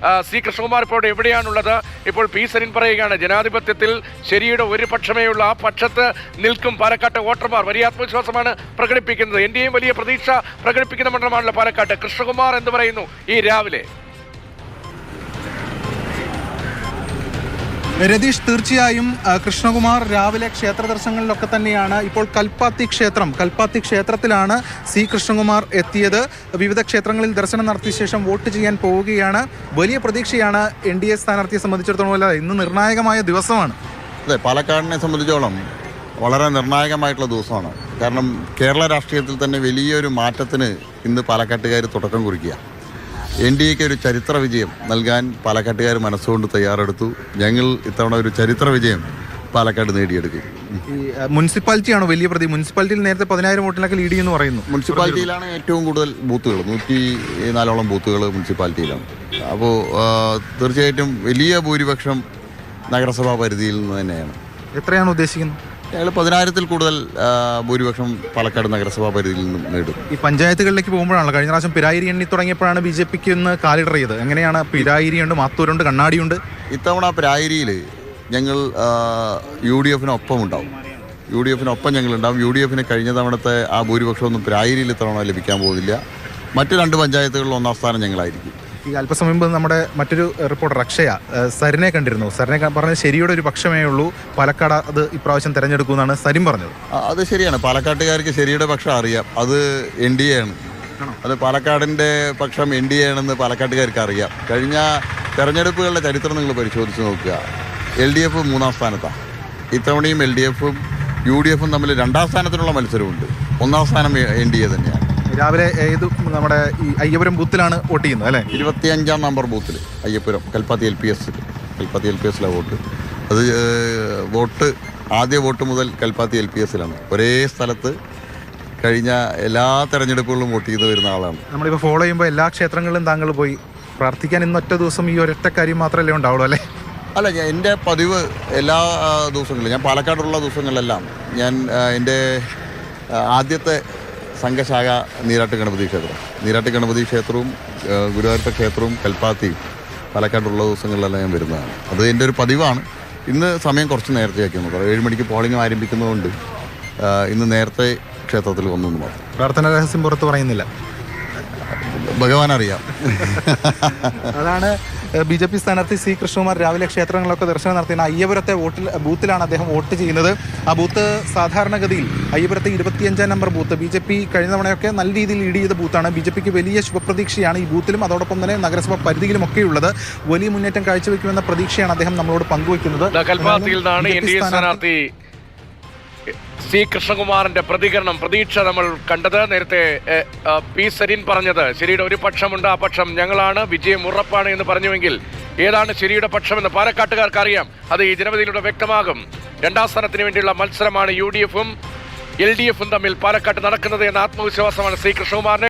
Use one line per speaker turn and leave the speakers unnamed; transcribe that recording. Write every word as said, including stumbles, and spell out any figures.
C Krishnakumar ഇപ്പോൾ എവിടെയാണുള്ളത്? ഇപ്പോൾ P Sarin പറയുകയാണ് ജനാധിപത്യത്തിൽ ശരിയുടെ ഒരു പക്ഷമേ ഉള്ള ആ പക്ഷത്ത് നിൽക്കും പാലക്കാട്ടെ വോട്ടർമാർ. വലിയ ആത്മവിശ്വാസമാണ് പ്രകടിപ്പിക്കുന്നത്. എൻ ഡി എയും വലിയ പ്രതീക്ഷ പ്രകടിപ്പിക്കുന്ന മണ്ഡലമാണല്ലോ പാലക്കാട്ട്. കൃഷ്ണകുമാർ എന്ത് പറയുന്നു ഈ രാവിലെ?
രതീഷ്, തീർച്ചയായും കൃഷ്ണകുമാർ രാവിലെ ക്ഷേത്ര ദർശനങ്ങളിലൊക്കെ തന്നെയാണ്. ഇപ്പോൾ കൽപ്പാത്തി ക്ഷേത്രം കൽപ്പാത്തി ക്ഷേത്രത്തിലാണ് സി കൃഷ്ണകുമാർ എത്തിയത്. വിവിധ ക്ഷേത്രങ്ങളിൽ ദർശനം നടത്തിയ ശേഷം വോട്ട് ചെയ്യാൻ പോവുകയാണ്. വലിയ പ്രതീക്ഷയാണ് എൻ ഡി എ സ്ഥാനാർത്ഥിയെ സംബന്ധിച്ചിടത്തോളം. അല്ല, ഇന്ന് നിർണായകമായ ദിവസമാണ്.
അതെ, പാലക്കാടിനെ സംബന്ധിച്ചോളം വളരെ നിർണായകമായിട്ടുള്ള ദിവസമാണ്. കാരണം കേരള രാഷ്ട്രീയത്തിൽ തന്നെ വലിയൊരു മാറ്റത്തിന് ഇന്ന് പാലക്കാട്ടുകാർ തുടക്കം കുറിക്കുക. എൻ ഡി എക്ക് ഒരു ചരിത്ര വിജയം നൽകാൻ പാലക്കാട്ടുകാർ മനസ്സുകൊണ്ട് തയ്യാറെടുത്തു. ഞങ്ങൾ ഇത്തവണ ഒരു ചരിത്ര വിജയം പാലക്കാട് നേടിയെടുക്കും.
ഈ മുനിസിപ്പാലിറ്റിയാണോ വലിയ പ്രതി? മുനിസിപ്പാലിറ്റിയിൽ നേരത്തെ പതിനായിരം വോട്ടിലൊക്കെ ലീഡ് ചെയ്യുന്നു പറയുന്നു.
മുനിസിപ്പാലിറ്റിയിലാണ് ഏറ്റവും കൂടുതൽ ബൂത്തുകൾ, നൂറ്റി നാലോളം ബൂത്തുകൾ മുനിസിപ്പാലിറ്റിയിലാണ്. അപ്പോൾ തീർച്ചയായിട്ടും വലിയ ഭൂരിപക്ഷം നഗരസഭാ പരിധിയിൽ നിന്ന് തന്നെയാണ്.
എത്രയാണ് ഉദ്ദേശിക്കുന്നത്?
ഞങ്ങൾ പതിനായിരത്തിൽ കൂടുതൽ ഭൂരിപക്ഷം പാലക്കാട് നഗരസഭാ പരിധിയിൽ നിന്നും നേടും.
ഈ പഞ്ചായത്തുകളിലേക്ക് പോകുമ്പോഴാണല്ലോ കഴിഞ്ഞ പ്രാവശ്യം പിരായിരി എണ്ണി തുടങ്ങിയപ്പോഴാണ് ബി ജെ പിക്ക് ഒന്ന് കാലിടർ ചെയ്തത്. എങ്ങനെയാണ്? പിരായിരിയുണ്ട്, മാത്തൂരുണ്ട്, കണ്ണാടിയുണ്ട്.
ഇത്തവണ പിരായിരിയിൽ ഞങ്ങൾ യു ഡി എഫിനൊപ്പം ഉണ്ടാവും. യു ഡി എഫിനൊപ്പം ഞങ്ങളുണ്ടാവും. യു ഡി എഫിന് കഴിഞ്ഞ തവണത്തെ ആ ഭൂരിപക്ഷമൊന്നും പിരായിരിയിൽ ഇത്തവണ ലഭിക്കാൻ പോകുന്നില്ല. മറ്റ് രണ്ട് പഞ്ചായത്തുകളിൽ ഒന്നാം സ്ഥാനം ഞങ്ങളായിരിക്കും.
ഈ അല്പസമയം മുമ്പ് നമ്മുടെ മറ്റൊരു റിപ്പോർട്ടർ അക്ഷയ സരിനെ കണ്ടിരുന്നു. സരിനെ പറഞ്ഞത് ശരിയുടെ ഒരു പക്ഷമേ ഉള്ളൂ, പാലക്കാട് അത് ഇപ്രാവശ്യം തെരഞ്ഞെടുക്കുമെന്നാണ് സരിൻ പറഞ്ഞത്.
അത് ശരിയാണ്. പാലക്കാട്ടുകാർക്ക് ശരിയുടെ പക്ഷം അറിയാം. അത് എൻ ഡി എ ആണ്. അത് പാലക്കാടിൻ്റെ പക്ഷം എൻ ഡി എ ആണെന്ന് പാലക്കാട്ടുകാർക്ക് അറിയാം. കഴിഞ്ഞ തെരഞ്ഞെടുപ്പുകളുടെ ചരിത്രം നിങ്ങൾ പരിശോധിച്ച് നോക്കുക. എൽ ഡി എഫ് മൂന്നാം സ്ഥാനത്താണ്. ഇത്തവണയും എൽ ഡി എഫും യു ഡി എഫും തമ്മിൽ രണ്ടാം സ്ഥാനത്തിനുള്ള മത്സരമുണ്ട്. ഒന്നാം സ്ഥാനം എൻ ഡി എ തന്നെയാണ്.
രാവിലെ ഏത് നമ്മുടെ ഈ അയ്യപുരം ബൂത്തിലാണ് വോട്ട് ചെയ്യുന്നത് അല്ലേ?
ഇരുപത്തിയഞ്ചാം നമ്പർ ബൂത്തിൽ Ayyapuram Kalpathi L P S Kalpathi L P എസിലാണ് വോട്ട്. അത് വോട്ട് ആദ്യ വോട്ട് മുതൽ കൽപ്പാത്തി എൽ പി എസിലാണ്. ഒരേ സ്ഥലത്ത് കഴിഞ്ഞ എല്ലാ തെരഞ്ഞെടുപ്പുകളിലും വോട്ട് ചെയ്ത് വരുന്ന ആളാണ്.
നമ്മളിപ്പോൾ ഫോളോ ചെയ്യുമ്പോൾ എല്ലാ ക്ഷേത്രങ്ങളിലും താങ്കൾ പോയി പ്രാർത്ഥിക്കാൻ ഇന്നൊറ്റ ദിവസം ഈ ഒരൊറ്റ കാര്യം മാത്രമല്ലേ ഉണ്ടാവുള്ളൂ അല്ലേ?
അല്ല, ഞാൻ എൻ്റെ പതിവ് എല്ലാ ദിവസങ്ങളിലും, ഞാൻ പാലക്കാടുള്ള ദിവസങ്ങളിലെല്ലാം ഞാൻ എൻ്റെ ആദ്യത്തെ സംഘശാഖ നീരാട്ട് ഗണപതി ക്ഷേത്രം നീരാട്ട് ഗണപതി ക്ഷേത്രവും ഗുരുവായൂരപ്പ ക്ഷേത്രവും കൽപ്പാത്തിയും പാലക്കാടുള്ള ദിവസങ്ങളിലെല്ലാം ഞാൻ വരുന്നതാണ്. അത് എൻ്റെ ഒരു പതിവാണ്. ഇന്ന് സമയം കുറച്ച് നേരത്തെയാക്കിയെന്ന് പറയാം. ഏഴ് മണിക്ക് പോളിംഗ് ആരംഭിക്കുന്നതുകൊണ്ട് ഇന്ന് നേരത്തെ ക്ഷേത്രത്തിൽ വന്നു മാത്രം.
പ്രാർത്ഥന രഹസ്യം പുറത്ത് പറയുന്നില്ല,
ഭഗവാൻ അറിയാം.
അതാണ് ബി ജെ പി സ്ഥാനാർത്ഥി സി കൃഷ്ണകുമാർ രാവിലെ ക്ഷേത്രങ്ങളിലൊക്കെ ദർശനം നടത്തിയ അയ്യപുരത്തെ വോട്ടിൽ ബൂത്തിലാണ് അദ്ദേഹം വോട്ട് ചെയ്യുന്നത്. ആ ബൂത്ത് സാധാരണഗതിയിൽ അയ്യപുരത്തെ ഇരുപത്തിയഞ്ചാം number booth B J P കഴിഞ്ഞ തവണയൊക്കെ നല്ല രീതിയിൽ ലീഡ് ചെയ്ത ബൂത്താണ്. ബി ജെ പിക്ക് വലിയ ശുഭപ്രതീക്ഷയാണ് ഈ ബൂത്തിലും അതോടൊപ്പം തന്നെ നഗരസഭ പരിധിയിലുമൊക്കെ ഉള്ളത്. വലിയ മുന്നേറ്റം കാഴ്ചവെക്കുമെന്ന പ്രതീക്ഷയാണ് അദ്ദേഹം നമ്മളോട് പങ്കുവയ്ക്കുന്നത്.
സി കൃഷ്ണകുമാറിന്റെ പ്രതികരണം, പ്രതീക്ഷ നമ്മൾ കണ്ടത്. നേരത്തെ പി സരിൻ പറഞ്ഞത് ശരിയുടെ ഒരു പക്ഷമുണ്ട്, ആ പക്ഷം ഞങ്ങളാണ്, വിജയം ഉറപ്പാണ് എന്ന് പറഞ്ഞുവെങ്കിൽ ഏതാണ് ശരിയുടെ പക്ഷമെന്ന് പാലക്കാട്ടുകാർക്ക് അറിയാം. അത് ഈ ജനവിധിയിലൂടെ വ്യക്തമാകും. രണ്ടാം സ്ഥാനത്തിന് വേണ്ടിയുള്ള മത്സരമാണ് യു ഡി എഫും എൽ ഡി എഫും തമ്മിൽ പാലക്കാട്ട് നടക്കുന്നത് എന്ന ആത്മവിശ്വാസമാണ് സി കൃഷ്ണകുമാറിന്.